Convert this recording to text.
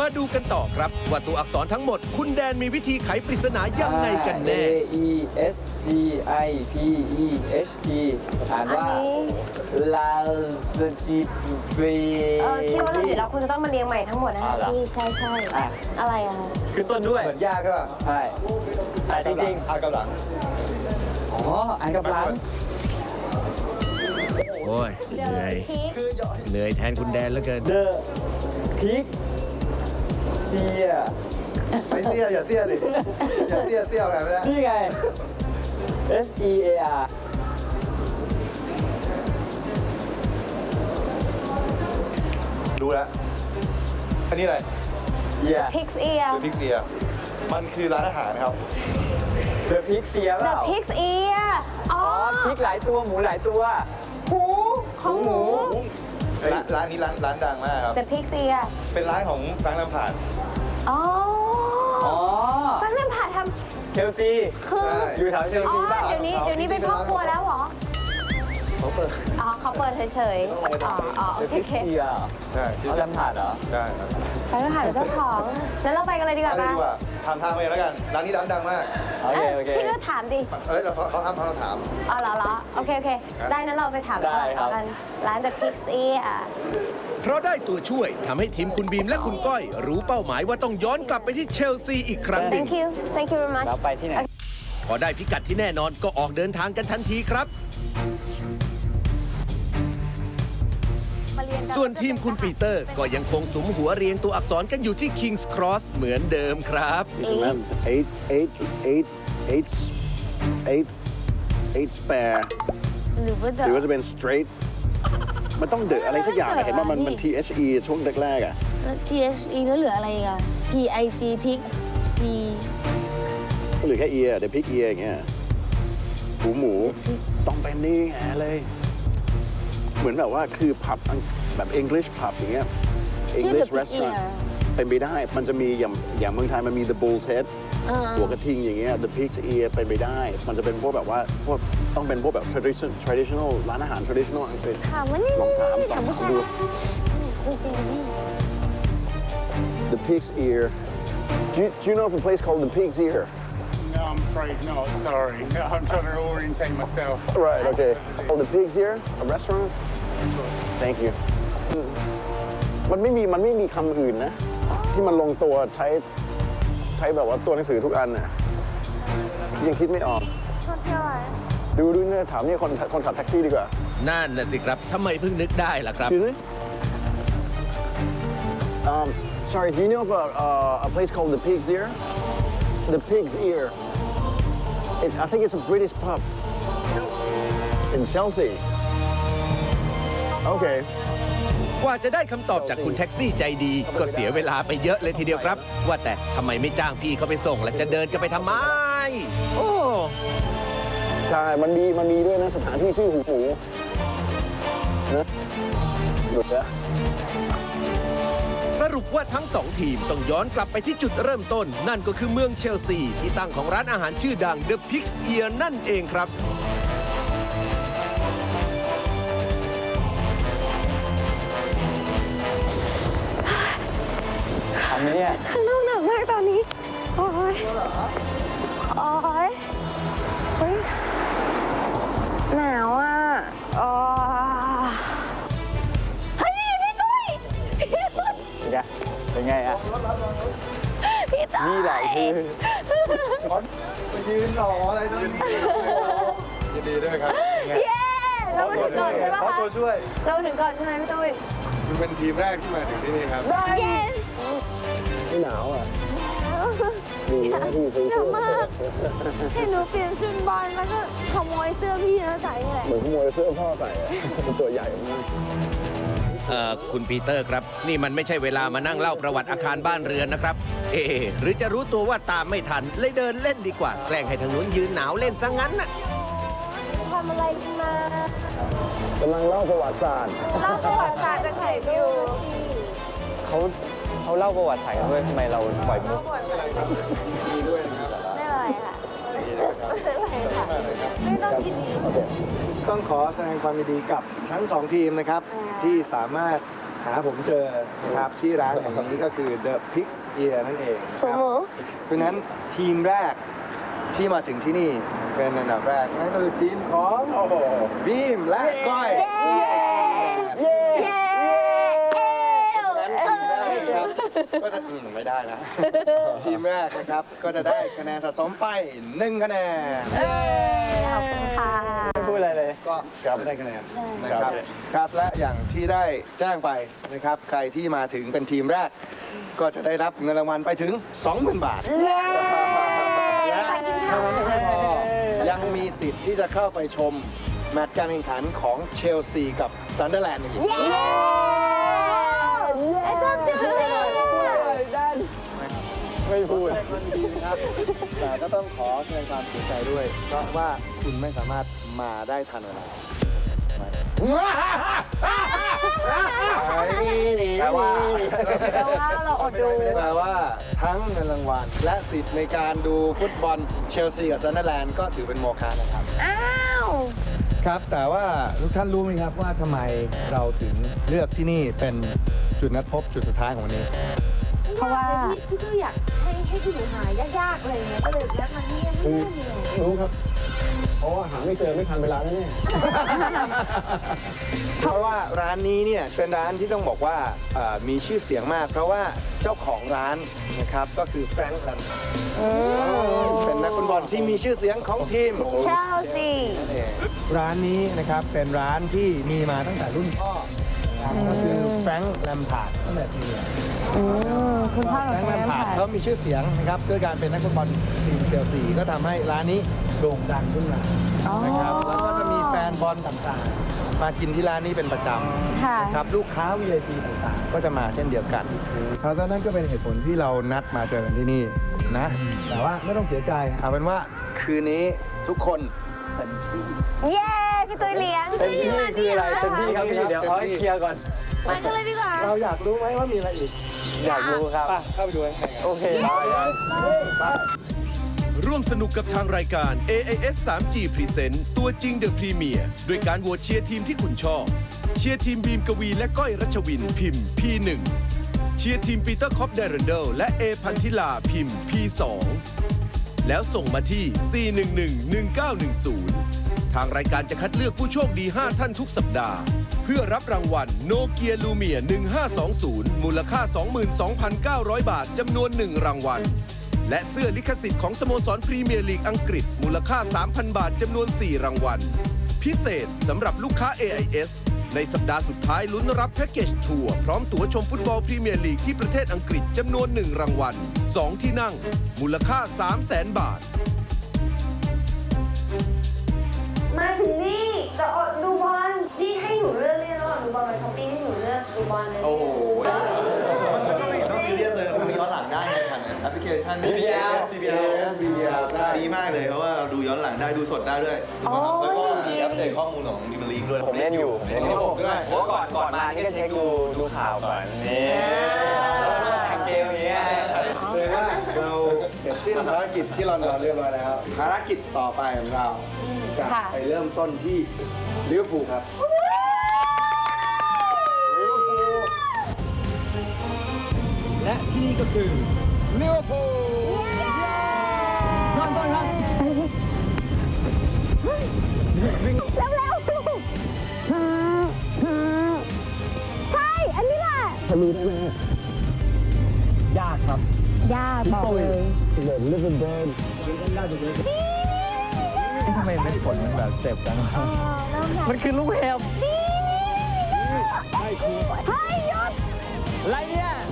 มาดูกันต่อครับว่าตัวอักษรทั้งหมดคุณแดนมีวิธีไขปริศนายังไงกันแน่ A E S G I P E H T อ่านว่าลาสจิเบคิดว่าเราผิดแล้วคุณจะต้องมาเรียงใหม่ทั้งหมดนะคะพี่ใช่อะไรอะคือต้นด้วยเหมือนยากใช่ป่ะใช่แต่จริงอ่านกำลังๆอ๋ออ่านกับหลังโอ้ยเหนื่อยแทนคุณแดนเหลือเกิน The Pig เสียไม่เสี้ยอย่าเสี้ยดิอย่าเสี้ยอะไรไม่ได้นี่ไง S E A R ดูแล้วอันนี้อะไร Yeah Pig's Ear คือพิกเซียมันคือร้านอาหารครับ The Pig เสียเป The ล่า Pig's Ear อ๋อพริกหลายตัวหมูหลายตัวหูของหมูร้านนี้ร้านดังมากครับ The Pig's Ear เป็นร้านของแฟรงค์ลำพาร์ดอ๋ออ๋อแฟนนั่นผ่าทเชลซีำคืออยู่แถวเชลอ๋อซีเปล่าเดี๋ยวนี้เป็นพ่อครัวแล้วเหรอเขาเปิดอ๋อเขาเปิดเฉยๆอ๋อโอ The เค Pig เสียใช่เอาลำถาดเหรอใช่ครับแฟนนั่นผ่าเจ้าของงั้นเราไปกันเลยดีกว่าได้ป่ะดีกว่าทำทางไปแล้วกันร้านนี้ร้านดังมากโอเคโอเคพี่ก็ถามดิเขาห้ามเราถามอ๋อเหรอโอเคได้นั้นเราไปถามได้ครับกันร้าน The Pig's Ear เพราะได้ตัวช่วยทำให้ทีมคุณบีมและคุณก้อย รู้เป้าหมายว่าต้องย้อนกลับไปที่เชลซีอีกครั้งหนึ่ง Thank you very much เราไปที่ไหนพอได้พิกัดที่แน่นอนก็ออกเดินทางกันทันทีครับ ส่วนทีมคุณปีเตอร์ก็ยังคงสุมหัวเรียงตัวอักษรกันอยู่ที่ King's Cross เหมือนเดิมครับ eight spare หรือว่าหรือว่าจะเป็น straight มันต้องเดอะอะไรสักอย่างอะเห็นว่ามัน THE ช่วงแรกๆอ่ะ THE แล้วเหลืออะไรอ่ะ PIG Pig P ก็เหลือแค่ ear เดี๋ยว pig ear อย่างเงี้ยหมูต้องเป็นนี่ไงเลย เหมือนแบบว่าคือผับแบบ English pub อย่างเงี้ย English restaurant เป็นไปได้ มันจะมีอย่างเมืองไทยมันมี the bull's head หัวกระทิงอย่างเงี้ย the pig's ear เป็นไปได้ มันจะเป็นพวกแบบว่าพวกต้องเป็นพวกแบบ traditional ร้านอาหาร traditional อังกฤษถามว่านี่ลองถามถามผู้ชายดู the pig's ear do you know of a place called the pig's ear No, I'm afraid not. Sorry. I'm trying to orientate myself. right okay oh the pig's ear a restaurant thank you มันไม่มีคำอื่นนะ ที่มันลงตัวใช้แบบว่าตัวหนังสือทุกอันน่ะยังคิดไม่ออกดูเนี่ยถามนี่คนขับแท็กซี่ดีกว่านั่นน่ะสิครับทำไมเพิ่งนึกได้ล่ะครับ Excuse me sorry do you know of a place called the Pig's Ear the Pig's Ear I think it's a British pub in Chelsea okay กว่าจะได้คำตอบจากคุณแท็กซี่ใจดี ก็เสียเวลาไปเยอะเลยทีเดียวครับ ว่าแต่ทำไมไม่จ้างพี่เขาไปส่งและจะเดินกันไปทำไม โอ้ใช่มันมีด้วยนะสถานที่ชื่อหูหมูนะหยุดแล้วสรุปว่าทั้งสองทีมต้องย้อนกลับไปที่จุดเริ่มต้น นั่นก็คือเมืองเชลซี ที่ตั้งของร้านอาหารชื่อดัง The Pig's Ear นั่นเองครับทำไหมเนี่ยข้างนอกหนาวมากตอนนี้ โอ้ยโอ้ยเฮ้ยหนาวอ่ะอ๋อเฮ้ยพี่ตุ้ยพี่ตุ้ยเป็นไงอะพี่ตุ้ยนี่แหละคือยืนหล่ออะไรตรงนี้ยินดีด้วยครับเย้เรามาถึงก่อนใช่ปะขอคะตัวช่วยเรามาถึงก่อนใช่ไหมพี่ตุ้ยคุณเป็นทีมแรกที่มาถึงที่นี่ครับเย้ไม่หนาวอ่ะดีนะที่ซื้อหนาวมากเห็นหนูเปลี่ยนชุดบอลแล้วก็ขโมยเสื้อพี่แล้วใส่นี่แหละเหมือนขโมยเสื้อพ่อใส่อะเป็นตัวใหญ่มากคุณปีเตอร์ครับ นี่มันไม่ใช่เวลามานั่งเล่าประวัติอาคารบ้านเรือนนะครับ หรือจะรู้ตัวว่าตามไม่ทัน เลยเดินเล่นดีกว่า แกล้งให้ทางนู้นยืนหนาวเล่นซะงั้นน่ะทำอะไรมากำลังเล่าประวัติศาสตร์เล่าประวัติศาสตร์จากไหนวิวเขาเล่าประวัติไทยกันด้วยทำไมเราปล่อยมุกไม่เป็นไรค่ะไม่เป็นไรค่ะไม่ต้องกินดีต้องขอแสดงความยินดีกับทั้งสองทีมนะครับ ที่สามารถหาผมเจอนะครับที่ร้านแห่งนี้ก็คือ The Pig's Ear นั่นเองนะคหูรับหมูเพราะฉะนั้นทีมแรกที่มาถึงที่นี่เป็นอันดับแรกนั่นก็คือทีมของบีมและก้อยเย้ครับก็จะไม่ได้นะ ทีมแรกนะครับก็จะได้คะแนนสะสมไป1คะแนนขอบคุณค่ะไม่พูดอะไรเลยก็ได้คะแนนนะครับครับและอย่างที่ได้แจ้งไปนะครับใครที่มาถึงเป็นทีมแรก ก็จะได้รับเงินรางวัลไปถึง 20,000 บาทและเท่านั้นยังไม่พอยังมีสิทธิ์ที่จะเข้าไปชมแมตช์การแข่งขันของเชลซีกับซันเดอร์แลนด์อีกไอ้ชอบชื่อสิไม่พูดครับแต่ก็ต้องขอแสดงความเสียใจด้วย เพราะว่าคุณไม่สามารถมาได้ทันเวลาแต่ว่าเราอดดูแปลว่าทั้งเงินรางวัลและสิทธิ์ในการดูฟุตบอลเชลซีกับซันเดอร์แลนด์ก็ถือเป็นโมฆะนะครับอ้าวครับแต่ว่าทุกท่านรู้ไหมครับว่าทำไมเราถึงเลือกที่นี่เป็นจุดนัดพบจุดสุดท้ายของวันนี้เพราะว่าพี่ก็อยากให้คุณหนูหายากๆอะไรเงี้ยก็เลยแวะมาที่นี่ไม่มีรู้ครับ เพราะว่าหาไม่เจอไม่ทันเวลาแน่เพราะว่าร้านนี้เนี่ยเป็นร้านที่ต้องบอกว่ามีชื่อเสียงมาก เพราะว่าเจ้าของร้านนะครับก็คือแฟรงค์แลมเป็นนักฟุตบอลที่มีชื่อเสียงของทีมเชลซีร้านนี้นะครับเป็นร้านที่มีมาตั้งแต่รุ่นพ่อนะครับก็คือแฟรงค์แลมพาร์ดตั้งแต่ปีคุณพ่อแฟของรงค์แลมแม่พาร์ดผ่านเขามีชื่อเสียงนะครับด้วยการเป็นนักฟุตบอลทีมเชลซีก็ทำให้ร้านนี้โด่งดังขึ้นมานะครับแล้วก็จะมีแฟนบอลต่างๆ มากินที่ร้านนี้เป็นประจำค่ะนะครับลูกค้า VIP ต่างๆ ก็จะมาเช่นเดียวกันเพราะฉะนั้นก็เป็นเหตุผลที่เรานัดมาเจอกันที่นี่นะแต่ว่าไม่ต้องเสียใจเอาเป็นว่าคืนนี้ทุกคนเย้พี่ตุ้ยเลี้ยงเต็มที่คืออะไรเต็มที่ครับพี่เดี๋ยวเอาให้เคลียร์ก่อนไปกันเลยดีกว่าเราอยากรู้ไหมว่ามีอะไรอีกอยากรู้ครับเข้าไปดูกันโอเคไปร่วมสนุกกับทางรายการ AIS 3G Present ตัวจริงเดอะพรีเมียร์ด้วยการโหวตเชียร์ทีมที่คุณชอบ เชียร์ทีมบีมกวีและก้อยรัชวินพิมพ์ P1 เชียร์ทีมปีเตอร์คอปเดรนเดลและเอพันธิลาพิมพ์ P2 แล้วส่งมาที่ 411-1910 ทางรายการจะคัดเลือกผู้โชคดี 5 ท่านทุกสัปดาห์ เพื่อรับรางวัลโนเกียลูเมีย1520 มูลค่า 22,900 บาทจำนวน 1 รางวัล และเสื้อลิขสิทธิ์ของสโมสรพรีเมียร์ลีกอังกฤษมูลค่า 3,000 บาทจำนวน 4 รางวัล พิเศษสำหรับลูกค้า AIS ในสัปดาห์สุดท้ายลุ้นรับแพ็กเกจทัวร์พร้อมตั๋วชมฟุตบอลพรีเมียร์ลีกที่ประเทศอังกฤษจำนวน 1 รางวัล 2 ที่นั่ง มูลค่า 300,000 บาทมาถึงนี่จะอดดูบอลนี่ให้หนูเลือกเลยระหว่างดูบอลกับช้อปปิ้งให้หนูเลือกดูบอลเลยโอ้โหต้องมีเรียกเลยมันมีย้อนหลังได้ไงผ่านแอปพลิเคชัน BBL ใช่ดีมากเลยเพราะว่าเราดูย้อนหลังได้ดูสดได้ด้วยแล้วก็มีอัปเดตข้อมูลของดิมลีกด้วยผมเล่นอยู่ระบบด้วยเพราะก่อนมานี่ก็เช็คดูข่าวก่อนนี่เกมนี้เลยว่าเราเสร็จสิ้นภารกิจที่ลอนดอนเรียบร้อยแล้วภารกิจต่อไปของเราจะไปเริ่มต้นที่ลิเวอร์พูลครับและที่นี่ก็คือลิเวอร์พูลนอนก่อนครับเร็วๆใช่ อันนี้แหละรู้ได้ไหมยากครับยากบอกเลยเหมือนลิเวอร์พูลทำไมไม่ผลมันแบบเจ็บจังมันคือลูกเห็บเฮ้ยหยุดอะไรเนี่ย